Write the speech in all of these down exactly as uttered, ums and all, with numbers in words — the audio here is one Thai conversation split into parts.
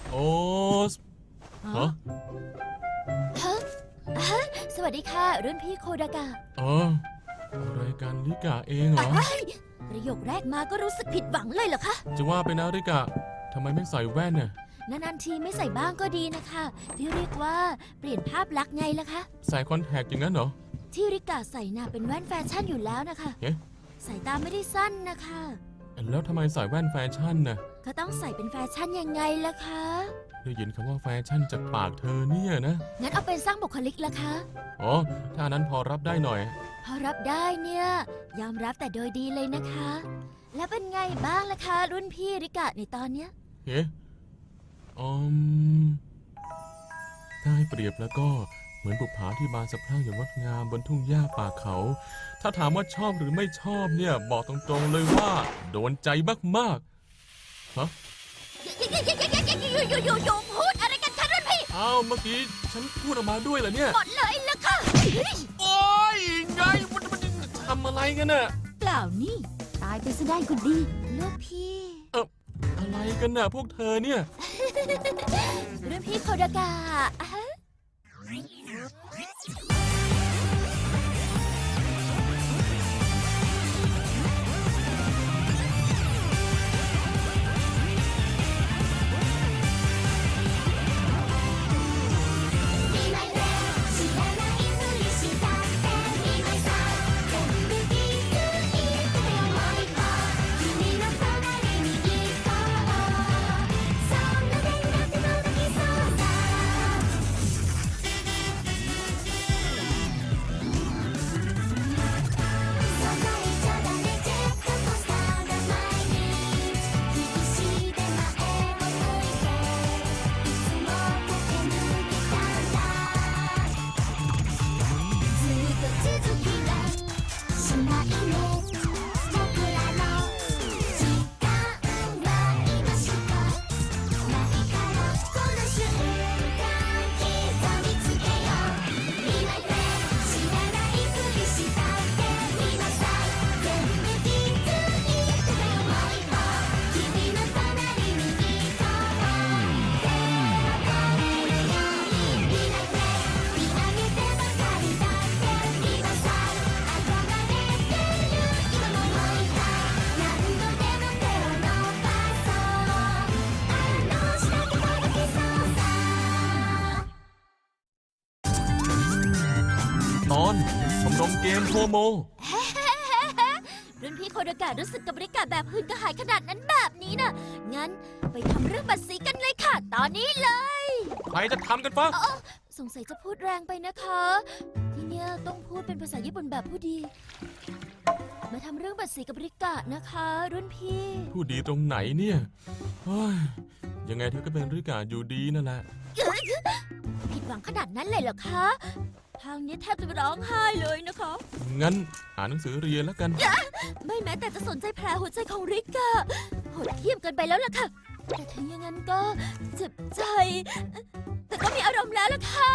โอ๊สฮะฮะฮะสวัสดีค่ะรุ่นพี่โคดากะเอออะไรกันริกะเองเหรอเอ้ยประโยคแรกมาก็รู้สึกผิดหวังเลยเหรอคะจะว่าไปนะริกะทำไมไม่ใส่แว่นเนี่ยนานๆทีไม่ใส่บ้างก็ดีนะคะที่เรียกว่าเปลี่ยนภาพลักษณ์ไงล่ะคะใส่คอนแทคอย่างนั้นเหรอที่ริกะใส่น่ะเป็นแว่นแฟชั่นอยู่แล้วนะคะเอ๊ะสายตาไม่ได้สั้นนะคะแล้วทำไมใส่แว่นแฟชั่นน่ะก็ต้องใส่เป็นแฟชั่นยังไงล่ะคะได้ยินคำว่าแฟชั่นจากปากเธอเนี่ยนะงั้นเอาเป็นสร้างบุคลิกละคะอ๋อถ้านั้นพอรับได้หน่อยพอรับได้เนี่ยยอมรับแต่โดยดีเลยนะคะ แล้วเป็นไงบ้างล่ะคะ รุ่นพี่ริกะในตอนเนี้ยเอ๊ะอืมถ้าให้เปรียบแล้วก็เหมือนบุปผาที่บานสะพรั่งอย่างงดงามบนทุ่งหญ้าป่าเขา ถ้าถามว่าชอบหรือไม่ชอบเนี่ยบอกตรงๆเลยว่าโดนใจมากๆฮะอยู่ๆๆๆๆพูดอะไรกันคะรุ่นพี่อ้าวเมื่อกี้ฉันพูดออกมาด้วยเหรอเนี่ยหมดเลยล่ะค่ะโอ้ยไงมันมันทำอะไรกันน่ะเปล่านี่ ตายไปซะได้คนดีลูกพี่อะไรกันน่ะพวกเธอเนี่ยรุ่นพี่โคดากะอะฮะตอนชมรมเกมโฮโมรุ่นพี่โคดากะรู้สึกกับบริการแบบหืนกระหายขนาดนั้นแบบนี้น่ะ งั้นไปทำเรื่องบัตรสีกันเลยค่ะ ตอนนี้เลยใครจะทำกันฟะสงสัยจะพูดแรงไปนะคะ ที่เนี่ยต้องพูดเป็นภาษาญี่ปุ่นแบบผู้ดี มาทำเรื่องบัตรสีกับบริกะนะคะ รุ่นพี่พูดดีตรงไหนเนี่ยเฮ้ยยังไงเธอก็เป็นริกาอยู่ดีนั่นแหละผิดหวังขนาดนั้นเลยเหรอคะ ทางนี้แทบจะร้องไห้เลยนะคะงั้นอ่านหนังสือเรียนแล้วกันไม่แม้แต่จะสนใจแผลหัวใจของริกะโหดเยี่ยมเกินไปแล้วล่ะค่ะ แต่ถึงอย่างนั้นก็เจ็บใจ แต่ก็มีอารมณ์แล้วล่ะค่ะ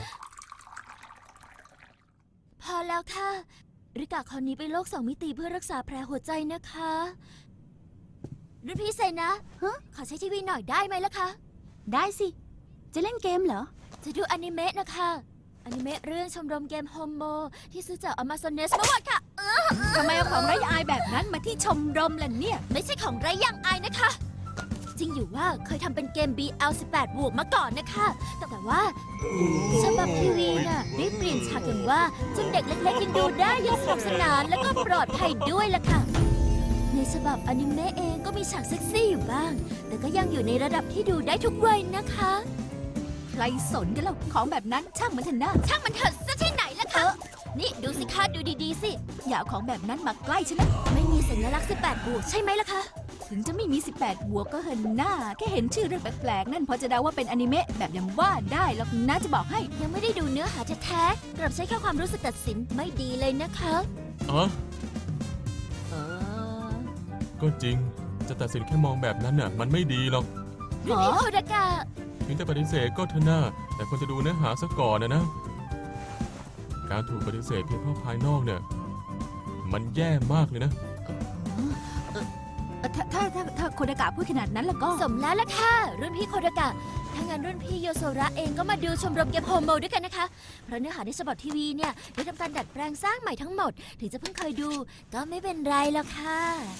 พอแล้วค่ะ ริกะคราวนี้ไปโลกสองมิติเพื่อรักษาแผลหัวใจนะคะรุ่นพี่เซนะฮะขอใช้ทีวีหน่อยได้ไหมล่ะคะ ได้สิ จะเล่นเกมเหรอ จะดูอนิเมะนะคะอนิเมะเรื่องชมรมเกมโฮโมที่ซื้อจาก Amazones เมื่อวานค่ะทำไมเอาของไร้อายแบบนั้นมาที่ชมรมล่ะเนี่ยไม่ใช่ของไร้อย่างอายนะคะ จริงอยู่ว่าเคยทำเป็นเกม บี แอล สิบแปด บวกมาก่อนนะคะ แต่แต่ว่าฉบับทีวีน่ะได้เปลี่ยนฉากอย่างว่าจนเด็กเล็กๆยังดูได้อย่างสนุกสนานแล้วก็ปลอดภัยด้วยล่ะค่ะ ในฉบับอนิเมะเองก็มีฉากเซ็กซี่อยู่บ้าง แต่ก็ยังอยู่ในระดับที่ดูได้ทุกวัยนะคะใครสนกันเล่าของแบบนั้นช่างมันเถอะนะช่างมันเถอะซะที่ไหนล่ะคะ นี่ดูสิคะดูดีๆสิอย่าเอาของแบบนั้นมาใกล้ฉันนะไม่มีสัญลักษณ์สิบแปดบวกใช่ไหมล่ะคะถึงจะไม่มี สิบแปด บวกก็เหินหน้า แค่เห็นชื่อเรื่องแปลกๆ นั่นพอจะเดาว่าเป็นอนิเมะแบบยังว่าได้หรอกนะจะบอกให้ยังไม่ได้ดูเนื้อหาแท้ๆกลับใช้แค่ความรู้สึกตัดสินไม่ดีเลยนะคะอ๋อเออก็จริง จะตัดสินแค่มองแบบนั้นน่ะ มันไม่ดีหรอกรุ่นพี่โคดากะถึงจะปฏิเสธก็เถอะหน้าแต่ควรจะดูเนื้อหาซะก่อนนะนะ การถูกปฏิเสธเพียงเพราะภายนอกเนี่ย มันแย่มากเลยนะถ้าถ้าถ้าถ้าโคดากะพูดขนาดนั้นแล้วก็สมแล้วล่ะค่ะ รุ่นพี่โคดากะ ถ้างั้นรุ่นพี่โยโซระเองก็มาดูชมรมเกมโฮโมด้วยกันนะคะ เพราะเนื้อหาในฉบับทีวีเนี่ยได้ทำการดัดแปลงสร้างใหม่ทั้งหมด ถึงจะเพิ่งเคยดู ก็ไม่เป็นไรหรอกค่ะ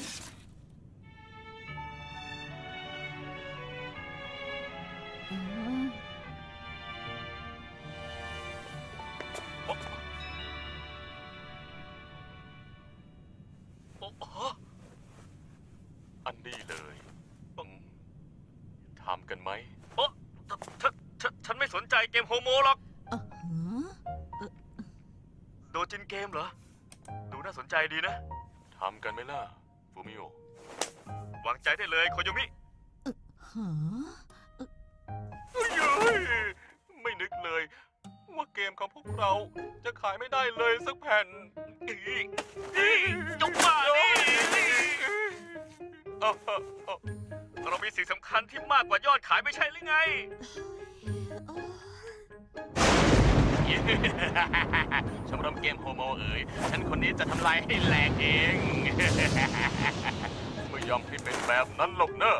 อ๋อโอ้โหอันนี้เลยอืมทำกันไหมโอ้ฉันฉันฉันไม่สนใจเกมโฮโมหรอกอ๋อฮะโดจินเกมเหรอ ดูน่าสนใจดีนะทำกันไหมล่ะ ฟูมิโอวางใจได้เลยโคโยมิฮะเฮ้ยไม่นึกเลย ว่าเกมของพวกเราจะขายไม่ได้เลยสักแผ่นอีอีจงบ้านี่เอ้าเอ้าเอ้าเรามีสิ่งสำคัญที่มากกว่ายอดขายไม่ใช่หรือไงชมรมเกมโฮโมเอ๋ยฉันคนนี้จะทำลายให้แหลกเอง ไม่ยอมให้เป็นแบบนั้นหรอกเนอะ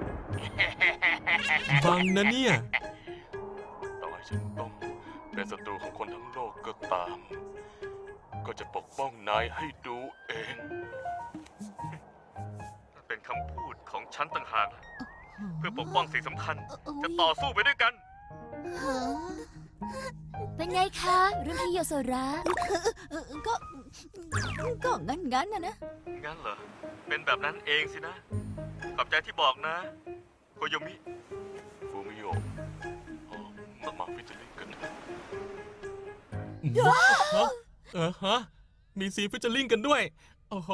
บังนะเนี่ย ต่อให้ฉันต้องเป็นศัตรูของคนทั้งโลกก็ตาม ก็จะปกป้องนายให้ดูเองเป็นคำพูดของฉันต่างหากเพื่อปกป้องสิ่งสำคัญ จะต่อสู้ไปด้วยกันเป็นไงคะ รุ่นพี่โยโซระเออก็ก็งั้นงั้นๆนะนะงั้นเหรอ เป็นแบบนั้นเองสินะ ขอบใจที่บอกนะ โคโยมิฟูมิโออ๋อมามาฟิชเชอร์ลิงกันนะฮะเออฮะ มีซีฟิชเชอร์ลิงกันด้วย โอ้โห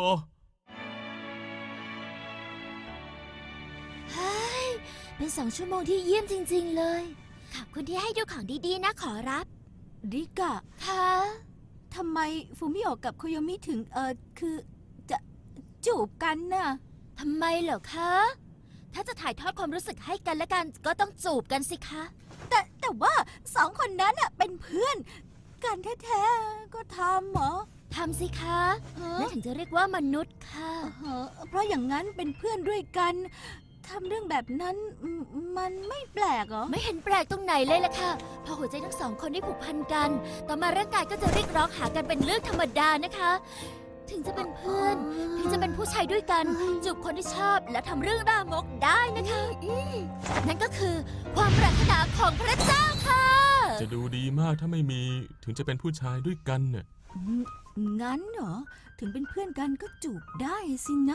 เฮ้ย เป็นสองชั่วโมงที่เยี่ยมจริง ๆ เลย ขอบคุณที่ให้ดูของดีๆนะขอรับริกะค่ะทำไมฟูมิโอะกับโคโยมิถึงเออคือจะจูบกันน่ะทำไมเหรอคะ ถ้าจะถ่ายทอดความรู้สึกให้กันและกันก็ต้องจูบกันสิคะแต่แต่ว่าสองคนนั้นน่ะเป็นเพื่อน กันแท้ๆก็ทำเหรอทำสิคะฮะนั่นถึงจะเรียกว่ามนุษย์ค่ะเออเพราะอย่างนั้นเป็นเพื่อนด้วยกันทำเรื่องแบบนั้นมมันไม่แปลกเหรอไม่เห็นแปลกตรงไหนเลยล่ะค่ะ พอหัวใจทั้งสองคนได้ผูกพันกัน ต่อมาร่างกายก็จะเรียกร้องหากันเป็นเรื่องธรรมดานะคะ ถึงจะเป็นเพื่อน ถึงจะเป็นผู้ชายด้วยกัน จูบคนที่ชอบและทำเรื่องรามกได้นะคะอืมนั่นก็คือความปรารถนาของพระเจ้าค่ะจะดูดีมากถ้าไม่มีถึงจะเป็นผู้ชายด้วยกันเนี่ยอืมงั้นเหรอ ถึงเป็นเพื่อนกันก็จูบได้สินะ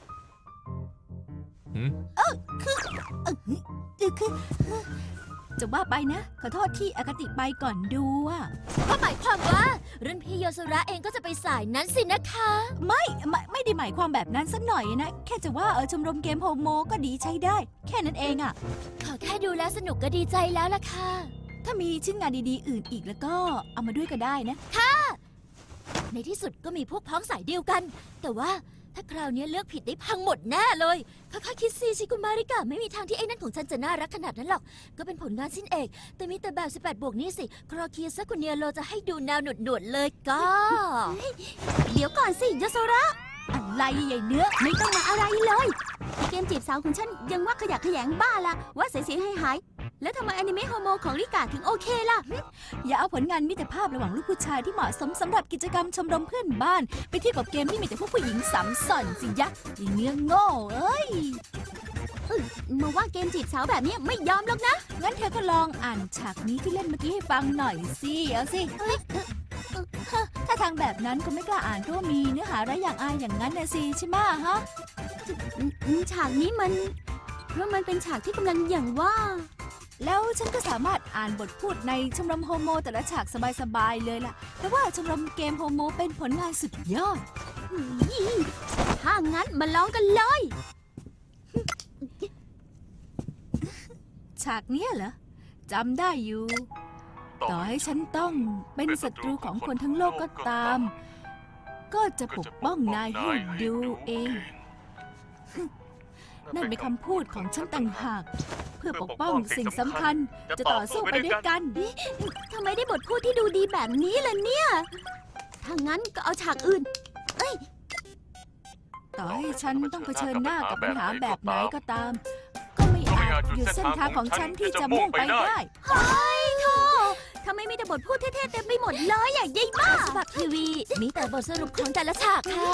หืมเออคือเออคือจะว่าไปนะ ขอโทษที่อคติไปก่อนดูอ่ะก็หมายความว่ารุ่นพี่โยสุระเองก็จะไปสายนั้นสินะคะไม่ไม่ไม่ได้หมายความแบบนั้นสักหน่อยนะ แค่จะว่าเออชมรมเกมโฮโมก็ดีใช้ได้ แค่นั้นเองอ่ะขอแค่ดูแลสนุกก็ดีใจแล้วล่ะค่ะถ้ามีชิ้นงานดีๆอื่นอีกแล้วก็เอามาด้วยก็ได้นะในที่สุดก็มีพวกพ้องสายเดียวกัน แต่ว่าถ้าคราวนี้เลือกผิดได้พังหมดแน่เลยค่อยๆคิดสิชิกุมาริกะไม่มีทางที่ไอ้นั่นของฉันจะน่ารักขนาดนั้นหรอก ก็เป็นผลงานสิ้นเอก แต่มีแต่แบบสิบแปดบวกนี่สิ ครอเคียซักคุเนียโลจะให้ดูแนวหนวดๆเลยก็เดี๋ยวก่อนสิยโซระ อะไรใหญ่เนื้อไม่ต้องมาอะไรเลยเกมจีบสาวของฉันยังว่าขยะแขยงบ้าละว่าเสียงให้หายแล้วทำไมอนิเมะโฮโมของริกาถึงโอเคล่ะ อย่าเอาผลงานมิตรภาพระหว่างลูกผู้ชายที่เหมาะสมสำหรับกิจกรรมชมรมเพื่อนบ้าน ไปเทียบกับเกมที่มีแต่พวกผู้หญิงสามส่อนสิยะไอ้เนื้อโง่เอ้ยมาว่าเกมจีบสาวแบบนี้ไม่ยอมหรอกนะ งั้นเธอก็ลองอ่านฉากนี้ที่เล่นเมื่อกี้ให้ฟังหน่อยสิเอาสิถ้าทางแบบนั้นก็ไม่กล้าอ่านเพราะว่ามีเนื้อหาระอย่างอายอย่างนั้นนะสิใช่ไหมฮะฉากนี้มัน เพราะมันเป็นฉากที่กำลังอย่างว่า แล้วฉันก็สามารถอ่านบทพูดในชมรมโฮโมแต่ละฉากสบายๆเลยล่ะ เพราะว่าชมรมเกมโฮโมเป็นผลงานสุดยอด ถ้างั้นมาลองกันเลย ฉากเนี้ยเหรอจำได้อยู่ ต่อให้ฉันต้องเป็นศัตรูของคนทั้งโลกก็ตาม ก็จะปกป้องนายให้ดูเอง นั่นเป็นคำพูดของฉันต่างหาก เพื่อปกป้องสิ่งสำคัญ จะต่อสู้ไปด้วยกันทำไมได้บทพูดที่ดูดีแบบนี้ล่ะเนี่ย ถ้างั้นก็เอาฉากอื่น เอ้ยต่อให้ฉันต้องเผชิญหน้ากับปัญหาแบบไหนก็ตาม ก็ไม่อาจหยุดเส้นทางของฉันที่จะมุ่งไปได้เฮ้ยโธ่ทำไมมีแต่บทพูดเท่ๆเต็มไปหมดเลยอ่ะยายบ้าฉบับทีวีมีแต่บทสรุปของแต่ละฉากค่ะ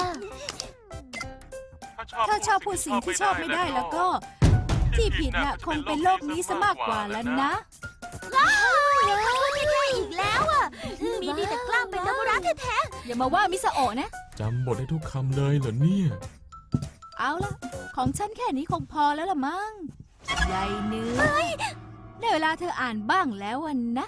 ถ้าชอบพูดสิ่งที่ชอบไม่ได้แล้วก็ ที่ผิดน่ะคงเป็นโลกนี้ซะมากกว่าแล้วนะว้าวพูดเท่ๆอีกแล้วอ่ะ มีดีแต่กล้ามเป็นนักรักแท้อย่ามาว่ามิสโอะนะจำบทได้ทุกคำเลยเหรอเนี่ยเอาละของฉันแค่นี้คงพอแล้วละมั้งยายเนื้อได้เวลาเธออ่านบ้างแล้ววันนะ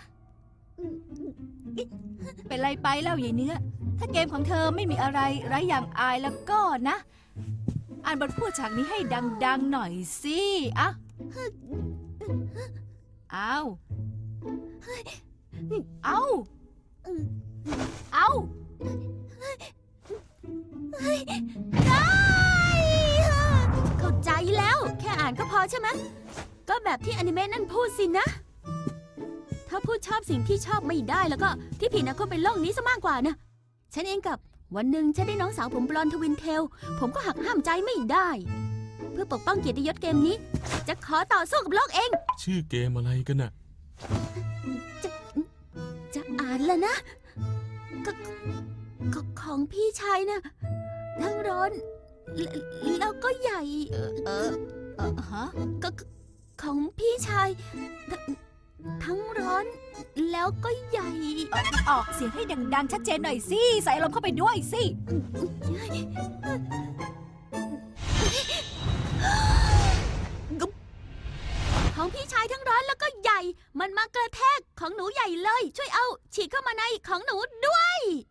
เป็นไรไปแล้วยายเนื้อ ถ้าเกมของเธอไม่มีอะไรไร้อย่างอายแล้วก็นะ อ่านบทพูดฉากนี้ให้ดังๆหน่อยสิอะเอาเอาเอาๆได้เข้าใจแล้ว แค่อ่านก็พอใช่ไหมก็แบบที่อนิเมะนั่นพูดสินะ ถ้าพูดชอบสิ่งที่ชอบไม่ได้แล้วก็ที่ผิดนะคงเป็นโลกนี้ซะมากกว่านะ ฉันเองกับวันหนึ่งฉันได้น้องสาวผมบลอนด์ทวินเทล ผมก็หักห้ามใจไม่ได้ เพื่อปกป้องเกียรติยศเกมนี้ จะขอต่อสู้กับโลกเองชื่อเกมอะไรกันน่ะจะอ่านแล้วนะกกของพี่ชายนะทั้งร้อนแลแล้วก็ใหญ่เออเออฮะกกของพี่ชายททั้งร้อนแล้วก็ใหญ่ออกเสียงให้ดังๆชัดเจนหน่อยสิ ใส่ลมณ์เข้าไปด้วยสิของพี่ชายทั้งร้อนแล้วก็ใหญ่ มันมากระแทกของหนูใหญ่เลย ช่วยเอาฉีดเข้ามาในของหนูด้วย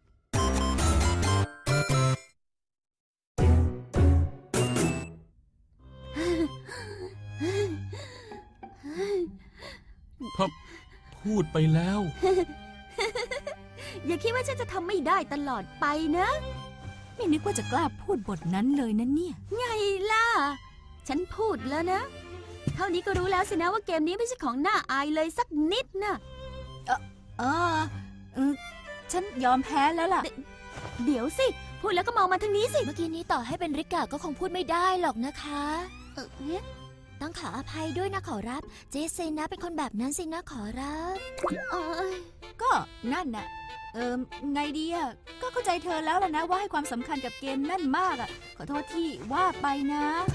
พูดไปแล้วอย่าคิดว่าฉันจะทำไม่ได้ตลอดไปนะไม่นึกว่าจะกล้าพูดบทนั้นเลยนะเนี่ยไงล่ะ ฉันพูดแล้วนะ เท่านี้ก็รู้แล้วสินะว่าเกมนี้ไม่ใช่ของน่าอายเลยสักนิดนะเออเออฉันยอมแพ้แล้วล่ะเดี๋ยวสิ พูดแล้วก็มองมาทางนี้สิเมื่อกี้นี้ต่อให้เป็นริกาก็คงพูดไม่ได้หรอกนะคะเออเนี่ยต้องขออภัยด้วยนะขอรับ เจสซินนะเป็นคนแบบนั้นสินะขอรับเอ้ยก็นั่นน่ะ เออไงดีอ่ะ ก็เข้าใจเธอแล้วล่ะนะว่าให้ความสำคัญกับเกมนั่นมากอ่ะ ขอโทษที่ว่าไปนะ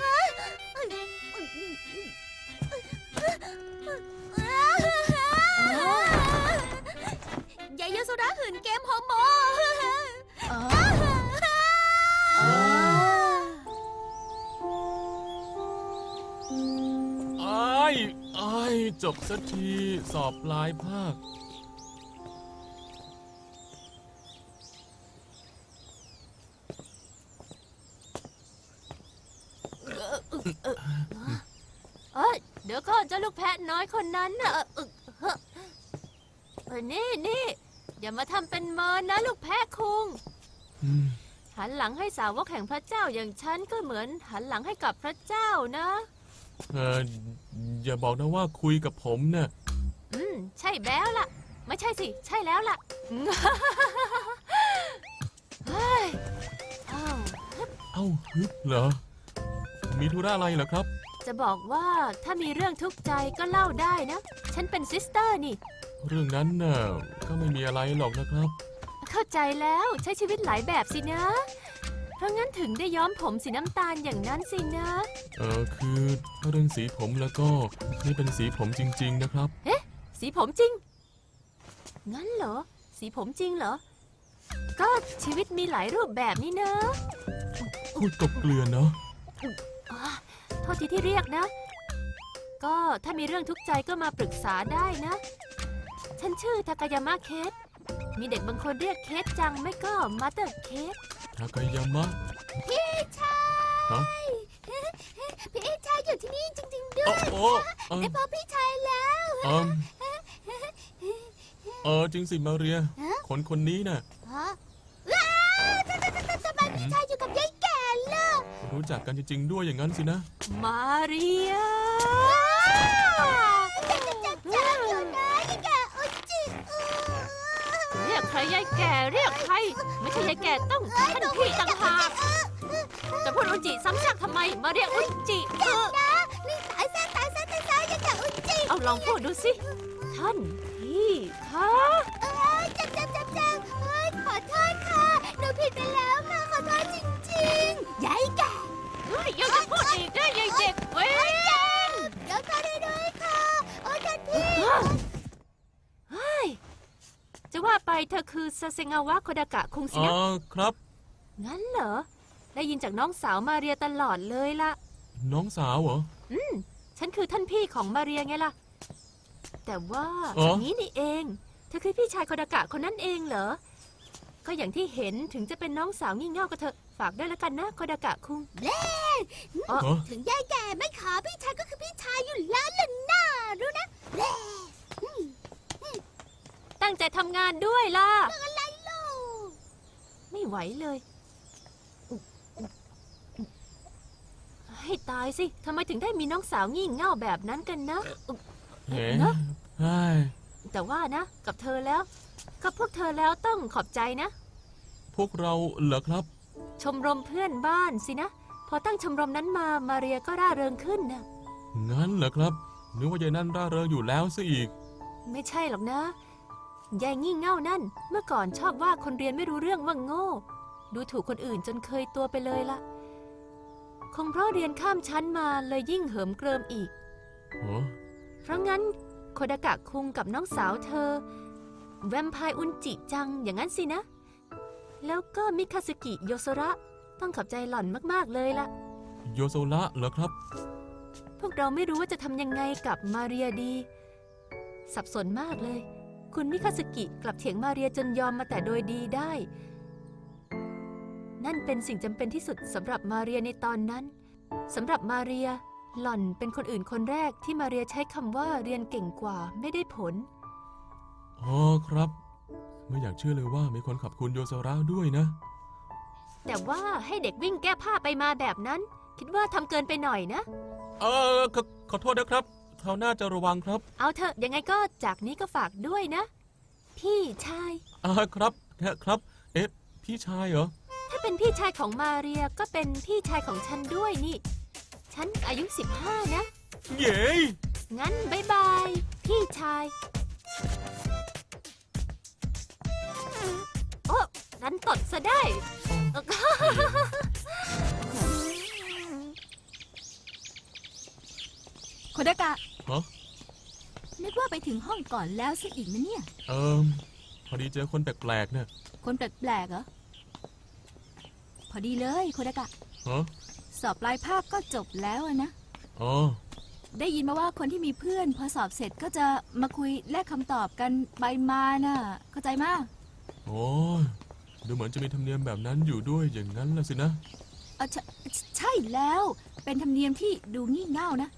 ยายโยโซระหืนเกมโฮโมอ๋ออ้ายอ้ายจบสักทีสอบปลายภาคเอ้ยเดี๋ยวก่อนเจ้าลูกแพะน้อยคนนั้นน่ะเออเออเฮ้อเออนี่นี่อย่ามาทำเป็นเมินนะลูกแพะคุงอืมหันหลังให้สาวกแห่งพระเจ้าอย่างฉันก็เหมือนหันหลังให้กับพระเจ้านะเอออย่าบอกนะว่าคุยกับผมเนี่ยอืมใช่แล้วล่ะ ไม่ใช่สิ ใช่แล้วล่ะ เฮ้ยอ้าวเอ้าฮึบเหรอ มีธุระอะไรเหรอครับจะบอกว่าถ้ามีเรื่องทุกข์ใจก็เล่าได้นะ ฉันเป็นซิสเตอร์นี่เรื่องนั้นน่ะก็ไม่มีอะไรหรอกนะครับเข้าใจแล้วใช้ชีวิตหลายแบบสินะ เพราะงั้นถึงได้ย้อมผมสีน้ำตาลอย่างนั้นสินะเออคือถ้าเรื่องสีผมแล้วก็นี่เป็นสีผมจริง ๆ นะครับสีผมจริง งั้นเหรอ สีผมจริงเหรอ ก็ชีวิตมีหลายรูปแบบนี่นะพูดกบเกลือนเนาะอ่าโทษทีที่เรียกนะ ก็ถ้ามีเรื่องทุกข์ใจก็มาปรึกษาได้นะ ฉันชื่อทากายามะเคส มีเด็กบางคนเรียกเคสจังไม่ก็มาเตอร์เคสทากายามะพี่ชายฮะพี่ชายอยู่ที่นี่จริงๆด้โอ้วยโอ้เออได้พบพี่ชายแล้วเออเออจริงสิมาเรีย คนคนนี้น่ะฮะว้าวทำไมพี่ชายอยู่กับยายแก่ล่ะรู้จักกันจริง ๆ ด้วยอย่างนั้นสินะมาเรียจับจับจับอยู่นะยายแก่อุจิเออเรียกใครยายแก่เรียกใคร ไม่ใช่ยายแก่ต้องท่านพี่ต่างหากเอจะพูดอุนจิซ้ำซากทำไม มาเรียกอุนจิเออนี่ตายซะตายซะตายซะอย่าแกอุนจิเอาลองพูดดูสิ ท่านพี่คะจับจับจับจับเฮ้ยขอโทษค่ะหนูผิดไปแล้วค่ะขอโทษจริงๆยายแกเฮ้ยยังจะพูดอีกได้ยังเด็กเว้ยยกโทษให้ด้วยค่ะโอ้ท่านพี่เฮ้ยจะว่าไปเธอคือซาเซงาวะโคดากะคุงสิอ๋อนะครับงั้นเหรอ ได้ยินจากน้องสาวมาเรียตลอดเลยล่ะน้องสาวเหรอฉันคือท่านพี่ของมาเรียไงล่ะ แต่ว่าอ๋ออย่างนี้นี่เอง เธอคือพี่ชายโคดากะคนนั้นเองเหรอ ก็อย่างที่เห็นถึงจะเป็นน้องสาวงี่เง่าก็เถอะ ฝากด้วยแล้วกันนะโคดากะคุงอ๋อถึงยายแก่ไม่ขอพี่ชายก็คือพี่ชายอยู่แล้วล่ะน่ารู้นะตั้งใจทำงานด้วยล่ะอะไรลูกไม่ไหวเลยอุ๊อุ๊ให้ตายสิ ทำไมถึงได้มีน้องสาวงี่เง่าแบบนั้นกันนะอุ๊เห็นเนอะใช่แต่ว่านะ กับเธอแล้ว กับพวกเธอแล้วต้องขอบใจนะพวกเราเหรอครับชมรมเพื่อนบ้านสินะ พอตั้งชมรมนั้นมา มาเรียก็ร่าเริงขึ้นนะงั้นเหรอครับ นึกว่ายายนั่นร่าเริงอยู่แล้วซะอีกไม่ใช่หรอกนะ ยายงี่เง่านั่น เมื่อก่อนชอบว่าคนเรียนไม่รู้เรื่องว่าโง่ ดูถูกคนอื่นจนเคยตัวไปเลยละคงเพราะเรียนข้ามชั้นมาเลยยิ่งเหิมเกริมอีกโอ้เพราะงั้นโคดากะคุงกับน้องสาวเธอ แวมไพร์อุนจิจังอย่างนั้นสินะ แล้วก็มิคาสึกิโยโซระต้องขอบใจหล่อนมากๆเลยละโยโซระเหรอครับพวกเราไม่รู้ว่าจะทำยังไงกับมาเรียดี สับสนมากเลย คุณมิคาสึกิกลับเถียงมาเรียจนยอมมาแต่โดยดีได้ นั่นเป็นสิ่งจำเป็นที่สุดสำหรับมาเรียในตอนนั้นสำหรับมาเรียหล่อนเป็นคนอื่นคนแรกที่มาเรียใช้คำว่าเรียนเก่งกว่าไม่ได้ผลอ๋อครับ ไม่อยากเชื่อเลยว่ามีคนขอบคุณโยโซระด้วยนะแต่ว่าให้เด็กวิ่งแก้ผ้าไปมาแบบนั้น คิดว่าทำเกินไปหน่อยนะเออขอขอโทษนะครับคราวหน้าจะระวังครับเอาเถอะยังไงก็จากนี้ก็ฝากด้วยนะ พี่ชายอ่าครับครับ เอ๊ะ พี่ชายเหรอถ้าเป็นพี่ชายของมาเรียก็เป็นพี่ชายของฉันด้วยนี่ ฉันอายุสิบห้านะเย้งั้นบายบาย พี่ชาย โอ้ดันตดซะได้โคดากะฮะนึกว่าไปถึงห้องก่อนแล้วซะอีกนะเนี่ยเอิมพอดีเจอคนแปลกๆเนี่ยคนแปลกๆเหรอ พอดีเลยโคดากะฮะสอบปลายภาคก็จบแล้วอะนะอ๋อได้ยินมาว่าคนที่มีเพื่อนพอสอบเสร็จก็จะมาคุยแลกคำตอบกันไปมาน่ะ เข้าใจมากโอ้ยดูเหมือนจะมีธรรมเนียมแบบนั้นอยู่ด้วยอย่างนั้นละสินะเออใช่ใช่แล้ว เป็นธรรมเนียมที่ดูงี่เง่านะ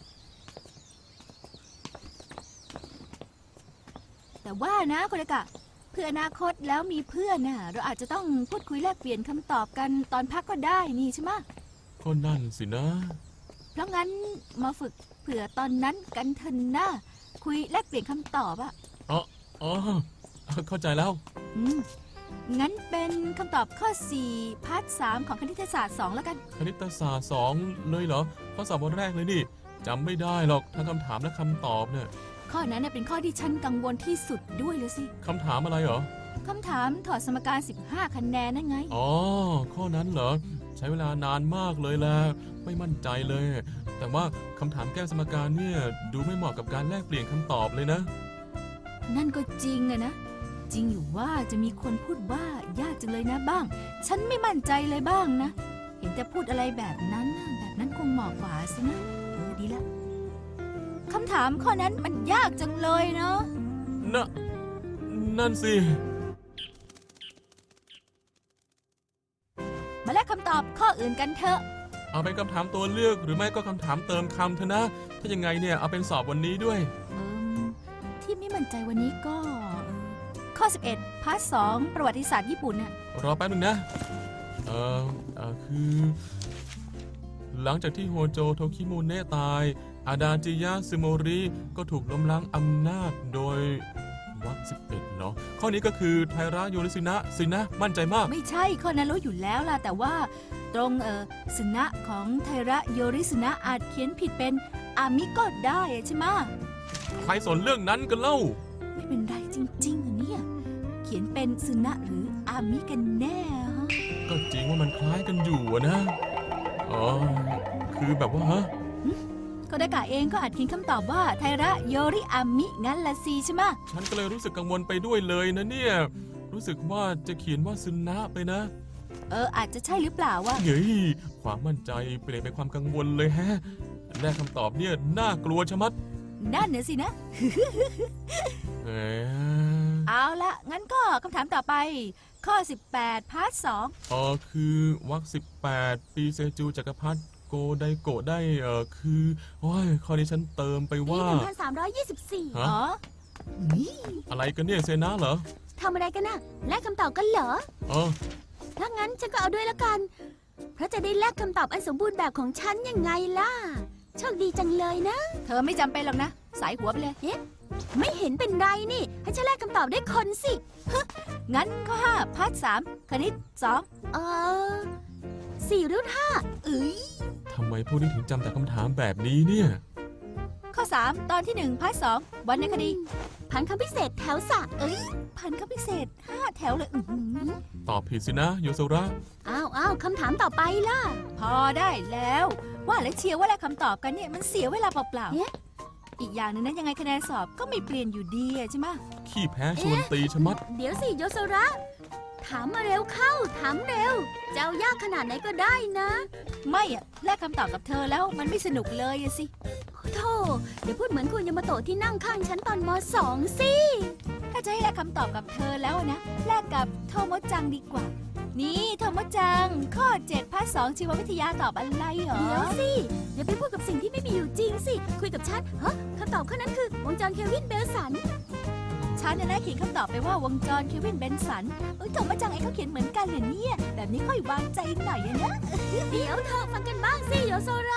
แต่ว่านะโคดากะ เพื่ออนาคตแล้วมีเพื่อนน่ะ เราอาจจะต้องพูดคุยแลกเปลี่ยนคำตอบกันตอนพักก็ได้นี่ใช่ไหมะก็นั่นสินะเพราะงั้นมาฝึกเผื่อตอนนั้นกันเถอะนะคุยแลกเปลี่ยนคำตอบอะอ๋อ อ๋อ เข้าใจแล้วอืมงั้นเป็นคำตอบข้อ สี่ พาร์ท สาม ของคณิตศาสตร์สองแล้วกันคณิตศาสตร์สองเลยเหรอ ข้อสอบวันแรกเลยนี่จำไม่ได้หรอกทั้งคำถามและคำตอบเนี่ยข้อนั้นน่ะเป็นข้อที่ฉันกังวลที่สุดด้วยเลยสิคำถามอะไรเหรอคำถามถอดสมการ สิบห้า คะแนนนั่นไงอ๋อ ข้อนั้นเหรอ ใช้เวลานานมากเลยแหละไม่มั่นใจเลย แต่ว่าคำถามแก้สมการเนี่ยดูไม่เหมาะกับการแลกเปลี่ยนคำตอบเลยนะนั่นก็จริงอะนะ จริงอยู่ว่าจะมีคนพูดว่ายากจังเลยนะบ้าง ฉันไม่มั่นใจเลยบ้างนะ เห็นจะพูดอะไรแบบนั้นน่ะแบบนั้นคงเหมาะกว่าสินะเออดีละคำถามข้อนั้นมันยากจังเลยเนาะน่ะ นั่นสิมาแลกคำตอบข้ออื่นกันเถอะเอาเป็นคำถามตัวเลือกหรือไม่ก็คำถามเติมคำเถอะนะ ถ้ายังไงเนี่ยเอาเป็นสอบวันนี้ด้วยเอมที่ไม่มั่นใจวันนี้ก็เออข้อ สิบเอ็ด พาร์ท สอง ประวัติศาสตร์ญี่ปุ่นน่ะรอแป๊บนึงนะ เออเออคือ หลังจากที่โฮโจโทคิมุเนะตาย อาดาจิยะซึโมริก็ถูกล้มล้างอำนาจโดยวรรคสิบเอ็ดเหรอ ข้อนี้ก็คือไทระโยริสินะสินะ มั่นใจมากไม่ใช่ข้อนั้นรู้อยู่แล้วล่ะ แต่ว่าตรงเออสุนะของไทระโยริสุนะอาจเขียนผิดเป็นอามิก็ได้อะใช่ไหมะใครสนเรื่องนั้นกันเล่าไม่เป็นไรจริงๆอะเนี่ย เขียนเป็นสุนะหรืออามิกันแน่ฮะก็จริงว่ามันคล้ายกันอยู่อะนะ อ๋อ คือแบบว่าฮะโคดากะเองก็อาจเขียนคำตอบว่าไทระโยริอามิงั้นละสิใช่ไหมะฉันก็เลยรู้สึกกังวลไปด้วยเลยนะเนี่ย รู้สึกว่าจะเขียนว่าซึนะไปนะเอออาจจะใช่หรือเปล่าวะเฮ้ย ความมั่นใจเปลี่ยนเป็นความกังวลเลยแฮะแรกคำตอบเนี่ยน่ากลัวชะมัดนั่นน่ะสินะแหมเอาละงั้นก็คำถามต่อไป ข้อ สิบแปด พาร์ทสองอ๋อคือวักสิบแปดปีเซจูจักรพรรดิโกไดโกะได้เออคือโอ้ยข้อนี้ฉันเติมไปปีว่าหนึ่งพันสามร้อยยี่สิบสี่ฮะอ๋ออะไรกันเนี่ยเซนะเหรอทำอะไรกันน่ะแลกคำตอบกันเหรอเออถ้างั้นฉันก็เอาด้วยละกัน เพราะจะได้แลกคำตอบอันสมบูรณ์แบบของฉันยังไงล่ะ โชคดีจังเลยนะเธอไม่จำเป็นหรอกนะ สายหัวไปเลยไม่เห็นเป็นไรนี่ ให้ฉันแลกคำตอบได้คนสิงั้นข้อห้าพาร์ทสามคณิตสองเออสี่รุ่นห้าเอ้ยทำไมพวกนี้ถึงจำแต่คำถามแบบนี้เนี่ยข้อสามตอนที่หนึ่งพาร์ทสองวรรณคดีพันคำพิเศษแถวสามเอ้ย พันคำพิเศษห้าแถวเลยอื้อหือตอบผิดสินะโยโซระอ้าวอ้าวคำถามต่อไปล่ะพอได้แล้ว ว่าแล้วเชียร์ว่าแลกคำตอบกันเนี่ยมันเสียเวลาเปล่าเอ๊ะๆอีกอย่างหนึงนะยังไงคะแนนสอบก็ไม่เปลี่ยนอยู่ดีอะใช่ไหมะขี้แพ้ชวนตีชะมัดเดี๋ยวสิโยโซระ ถามมาเร็วเข้า ถามเร็ว จะเอายากขนาดไหนก็ได้นะไม่อะแลกคำตอบกับเธอแล้วมันไม่สนุกเลยอะสิโธ่เดี๋ยวพูดเหมือนคุณยามาโตะที่นั่งข้างฉันตอนมสองสิถ้าจะให้แลกคำตอบกับเธอแล้วอะนะแลกกับโทโมจังดีกว่า นี่โทโมจัง ข้อเจ็ดพาร์ทสองชีววิทยาตอบอะไรเหรอเดี๋ยวสิ อย่าไปพูดกับสิ่งที่ไม่มีอยู่จริงสิ คุยกับฉันฮะคำตอบข้อนั้นคือวงจรเควินเบลสันฉันน่ะนะเขียนคำตอบไปว่าวงจรเควินเบนสันเอ้ยโทโมจังเองก็เขียนเหมือนกันเหรอเนี่ย แบบนี้ค่อยวางใจหน่อยอะนะเดี๋ยวเธอฟังกันบ้างสิโยโซระ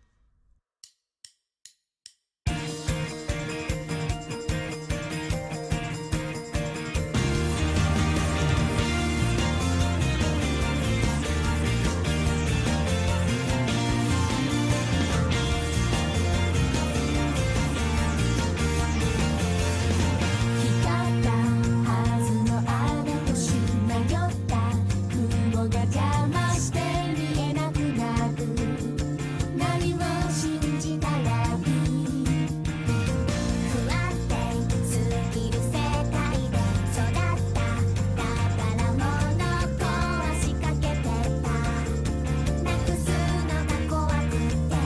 光ったはずのあの星迷った雲が邪魔して見えなくなる何を信じたらいい不安定すぎる世界で育った宝物壊しかけてたなくすのが怖くて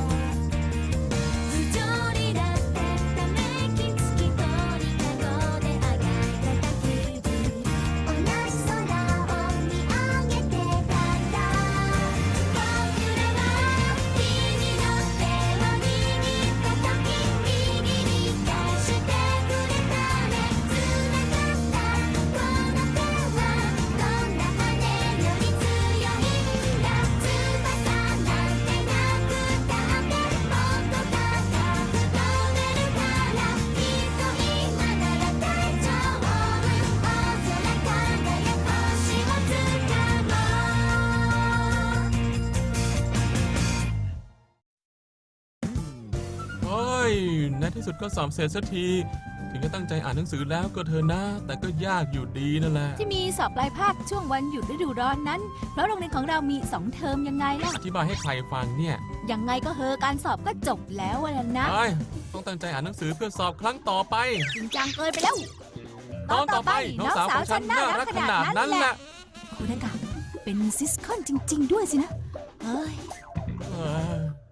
不条理だってため息つき通り角であがいてた日々同じ空を見上げてたんだ僕らは君の手を握った時握り返してくれたね繋がったこの手はどんな羽より強いんだ翼なんてなくたってもっと高く飛べるからきっと今なら大丈夫大空輝く星をつかもうเฮ้ย ในที่สุดก็สอบเสร็จสักที ถึงจะตั้งใจอ่านหนังสือแล้วก็เธอะนะ แต่ก็ยากอยู่ดีนั่นแหละที่มีสอบปลายภาคช่วงวันหยุดฤดูร้อนนั้น เพราะโรงเรียนของเรามีสองเทอมยังไงล่ะอธิบายให้ใครฟังเนี่ยยังไงก็เฮอการสอบก็จบแล้วอะนะเอ้ย ต้องตั้งใจอ่านหนังสือเพื่อสอบครั้งต่อไปจริงจังเกินไปแล้วตอนต่อไปน้องสาวของฉันน่ารักขนาดนั้นแหละคุณนากะเป็นซิสคอนจริง ๆ ด้วยสินะ เฮ้ยเออ